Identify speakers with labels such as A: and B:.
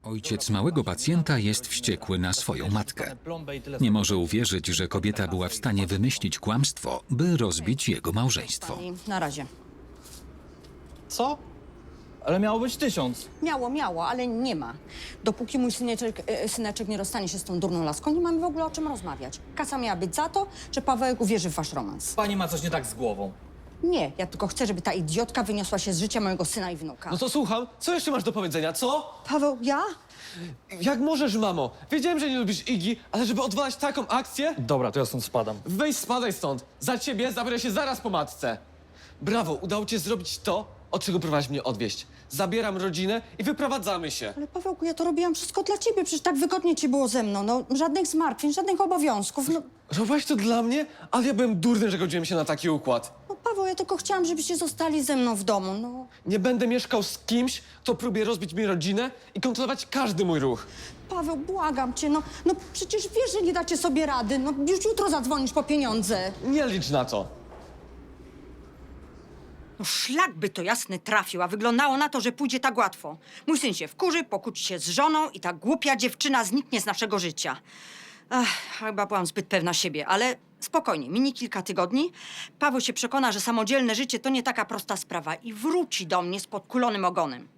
A: Ojciec małego pacjenta jest wściekły na swoją matkę. Nie może uwierzyć, że kobieta była w stanie wymyślić kłamstwo, by rozbić jego małżeństwo.
B: Pani, na razie.
C: Co? Ale miało być 1000.
B: Miało, ale nie ma. Dopóki mój syneczek nie rozstanie się z tą durną laską, nie mamy w ogóle o czym rozmawiać. Kasa miała być za to, że Pawełek uwierzy w wasz romans.
C: Pani ma coś nie tak z głową.
B: Nie, ja tylko chcę, żeby ta idiotka wyniosła się z życia mojego syna i wnuka.
D: No to słucham, co jeszcze masz do powiedzenia, co?
B: Paweł, ja?
D: Jak możesz, mamo? Wiedziałem, że nie lubisz Igi, ale żeby odwalać taką akcję?
C: Dobra, to ja stąd spadam.
D: Weź spadaj stąd. Za ciebie zabiorę się zaraz po matce. Brawo, udało ci się zrobić to, od czego próbowałaś mnie odwieźć. Zabieram rodzinę i wyprowadzamy się.
B: Ale Pawełku, ja to robiłam wszystko dla ciebie, przecież tak wygodnie ci było ze mną. No, żadnych zmartwień, żadnych obowiązków.
D: Robiłaś to dla mnie, ale ja byłem durny, że godziłem się na taki układ.
B: No Paweł, ja tylko chciałam, żebyście zostali ze mną w domu, no.
D: Nie będę mieszkał z kimś, kto próbuje rozbić mi rodzinę i kontrolować każdy mój ruch.
B: Paweł, błagam cię, no przecież wiesz, że nie dacie sobie rady. No już jutro zadzwonisz po pieniądze.
D: Nie licz na to.
B: No szlak by to jasny trafił, a wyglądało na to, że pójdzie tak łatwo. Mój syn się wkurzy, pokłóci się z żoną i ta głupia dziewczyna zniknie z naszego życia. Ach, chyba byłam zbyt pewna siebie, ale spokojnie, minie kilka tygodni. Paweł się przekona, że samodzielne życie to nie taka prosta sprawa i wróci do mnie z podkulonym ogonem.